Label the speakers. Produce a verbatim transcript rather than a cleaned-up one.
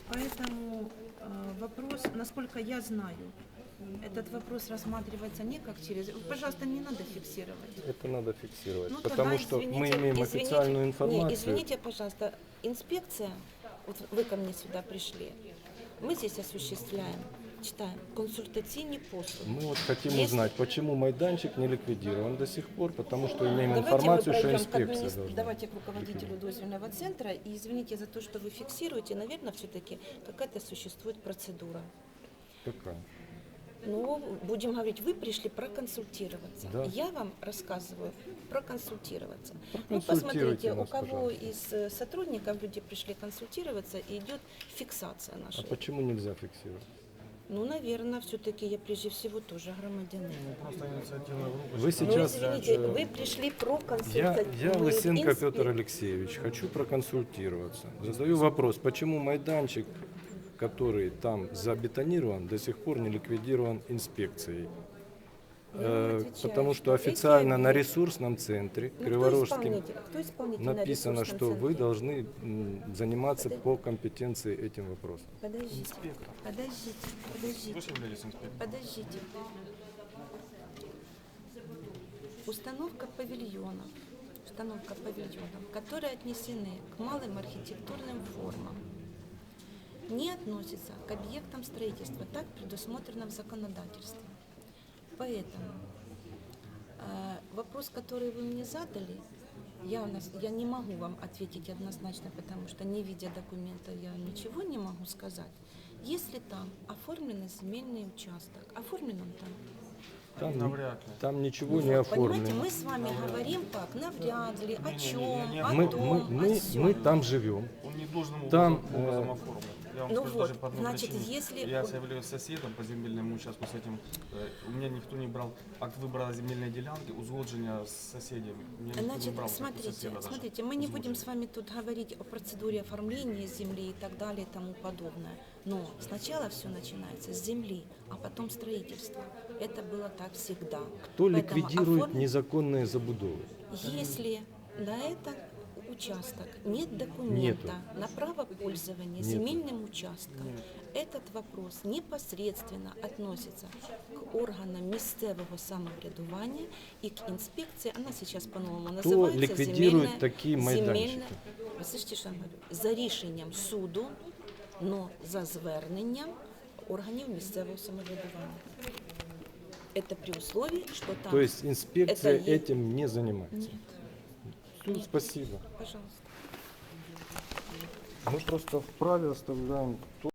Speaker 1: Поэтому э, вопрос, насколько я знаю, этот вопрос рассматривается не как через... Пожалуйста, не надо фиксировать.
Speaker 2: Это надо фиксировать,
Speaker 1: Ну,
Speaker 2: потому
Speaker 1: тогда,
Speaker 2: что мы
Speaker 1: извините,
Speaker 2: имеем
Speaker 1: извините,
Speaker 2: официальную информацию.
Speaker 1: Не, извините, пожалуйста, инспекция, вот вы ко мне сюда пришли, мы здесь осуществляем, читаем, консультативные послуги.
Speaker 2: Мы вот хотим
Speaker 1: Если...
Speaker 2: узнать, почему майданчик не ликвидирован до сих пор, потому что имеем
Speaker 1: Давайте
Speaker 2: информацию,
Speaker 1: мы
Speaker 2: что
Speaker 1: пройдем к
Speaker 2: инспекция
Speaker 1: админи-
Speaker 2: должна.
Speaker 1: Давайте к руководителю дозвольного центра. И извините за то, что вы фиксируете, наверное, все-таки какая-то существует процедура.
Speaker 2: Какая?
Speaker 1: Ну, будем говорить, вы пришли проконсультироваться.
Speaker 2: Да.
Speaker 1: Я вам рассказываю проконсультироваться. Ну,
Speaker 2: Проконсультируйте
Speaker 1: посмотрите, у
Speaker 2: нас,
Speaker 1: кого
Speaker 2: пожалуйста.
Speaker 1: из э, сотрудников люди пришли консультироваться, и идет фиксация
Speaker 2: А
Speaker 1: нашей.
Speaker 2: почему нельзя фиксировать?
Speaker 1: Ну, наверное, все-таки я прежде всего тоже громадянин.
Speaker 3: Просто инициативная группа.
Speaker 2: Вы
Speaker 1: Ну,
Speaker 2: сейчас...
Speaker 1: извините,
Speaker 2: э,
Speaker 1: вы пришли
Speaker 2: Я,
Speaker 1: проконсультироваться.
Speaker 2: я Лысенко Петр Алексеевич, хочу проконсультироваться. Задаю вопрос, почему майданчик, который там забетонирован, до сих пор не ликвидирован инспекцией? Э, потому что официально на ресурсном центре
Speaker 1: Ну,
Speaker 2: Криворожским
Speaker 1: кто исполнитель? Кто исполнитель на
Speaker 2: написано,
Speaker 1: ресурсном
Speaker 2: что вы
Speaker 1: центре?
Speaker 2: должны м, заниматься
Speaker 1: Подожди.
Speaker 2: по компетенции этим вопросом.
Speaker 1: Подождите,
Speaker 3: Инспектор.
Speaker 1: подождите,
Speaker 3: Вы
Speaker 1: подождите,
Speaker 3: же являетесь инспектором.
Speaker 1: подождите. Установка павильонов, установка павильонов, которые отнесены к малым архитектурным формам, не относится к объектам строительства, так предусмотрено в законодательстве. Поэтому э, вопрос, который вы мне задали, я, у нас, я не могу вам ответить однозначно, потому что не видя документа я ничего не могу сказать. Если там оформлен земельный участок, оформлен он там?
Speaker 2: Там,
Speaker 3: Навряд ли.
Speaker 2: там ничего
Speaker 1: Ну
Speaker 2: не
Speaker 1: вот, понимаете,
Speaker 2: оформлено.
Speaker 1: мы с вами говорим так, навряд ли, о
Speaker 3: Не-не-не,
Speaker 1: чем,
Speaker 3: не
Speaker 1: о
Speaker 2: Мы,
Speaker 1: том,
Speaker 2: мы, мы,
Speaker 1: о сём.
Speaker 2: мы там живем.
Speaker 3: Он не должным
Speaker 2: Там,
Speaker 3: образом, образом
Speaker 2: э,
Speaker 3: оформлен. Я вам
Speaker 1: ну
Speaker 3: скажу
Speaker 1: вот,
Speaker 3: даже по одной
Speaker 1: значит,
Speaker 3: причине.
Speaker 1: если
Speaker 3: Я
Speaker 1: он-
Speaker 3: являюсь соседом по земельному участку с этим. э, У меня никто не брал акт выбора земельной делянки, узгоджения с соседями. У меня никто не
Speaker 1: Значит,
Speaker 3: брал, как у
Speaker 1: смотрите,
Speaker 3: соседа даже
Speaker 1: смотрите, мы не будем
Speaker 3: узгоджения.
Speaker 1: с вами тут говорить о процедуре оформления земли и так далее и тому подобное. Но сначала все начинается с земли, а потом строительство. Это было так всегда.
Speaker 2: Кто
Speaker 1: Поэтому
Speaker 2: ликвидирует
Speaker 1: оформ-
Speaker 2: незаконные забудовы?
Speaker 1: Если на этот участок нет
Speaker 2: Нету.
Speaker 1: документа на право пользования
Speaker 2: Нету.
Speaker 1: земельным участком, этот вопрос непосредственно относится к органам местного самоврядування и к инспекции, она сейчас по-новому
Speaker 2: Кто
Speaker 1: называется
Speaker 2: ликвидирует
Speaker 1: земельная-
Speaker 2: такие
Speaker 1: земельна-
Speaker 2: майданчики?
Speaker 1: Ви слышите, що я говорю? За рішенням суду, но за зверненням органів місцевого самоврядування. Это при условии, что там...
Speaker 2: То есть инспекция
Speaker 1: Это е-
Speaker 2: этим не занимается?
Speaker 1: Нет,
Speaker 2: Ну, спасибо.
Speaker 1: пожалуйста.
Speaker 2: Мы просто вправе оставляем то,